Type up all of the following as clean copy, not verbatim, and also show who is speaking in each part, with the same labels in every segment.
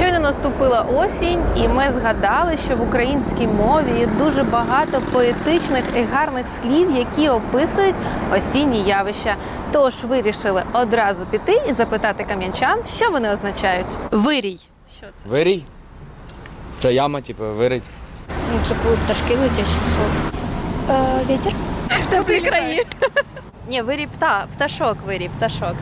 Speaker 1: Щойно наступила осінь, і ми згадали, що в українській мові є дуже багато поетичних і гарних слів, які описують осінні явища. Тож вирішили одразу піти і запитати кам'янчан, що вони означають. Вирій. Що це?
Speaker 2: Вирій? Це яма, типу, вирить.
Speaker 3: Ну, це коли пташки летять. Вітер.
Speaker 1: В теплі краї. Ні, вирій пташок, вирій пташок.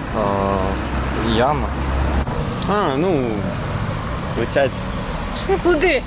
Speaker 2: Яма. Ну, летять
Speaker 1: Куди?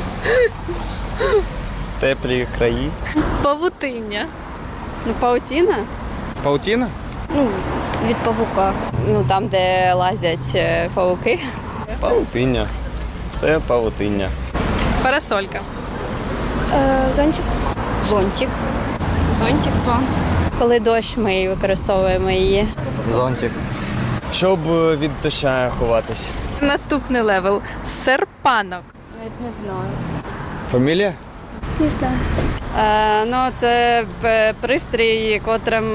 Speaker 2: в теплі краї.
Speaker 1: Павутиння.
Speaker 4: Ну, паутіна?
Speaker 2: Паутіна?
Speaker 3: Ну, від павука.
Speaker 4: Ну, там, де лазять павуки.
Speaker 2: Павутиння. Це павутиння.
Speaker 1: Парасолька.
Speaker 3: Зонтик. Зонтик. Зонтик, зонт.
Speaker 4: Коли дощ, ми використовуємо її.
Speaker 2: Зонтик. Щоб від доща ховатись.
Speaker 1: Наступний левел. Серпанок.
Speaker 3: Навіть не знаю.
Speaker 2: Фамілія?
Speaker 3: Не знаю.
Speaker 4: Ну, це пристрій, котрим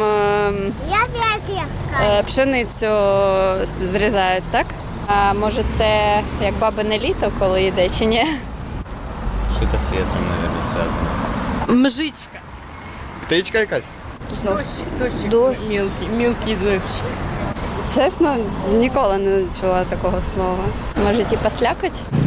Speaker 4: пшеницю зрізають, так? А може, це як бабине літо, коли йде, чи ні?
Speaker 2: Що-то з вітром, мабуть, зв'язано.
Speaker 1: Мжичка.
Speaker 2: Птичка якась?
Speaker 3: Знов.
Speaker 1: Дощик.
Speaker 3: Дощ.
Speaker 1: Мілкий дощик.
Speaker 4: Чесно, ніколи не чула такого слова. Може, типа слякоть?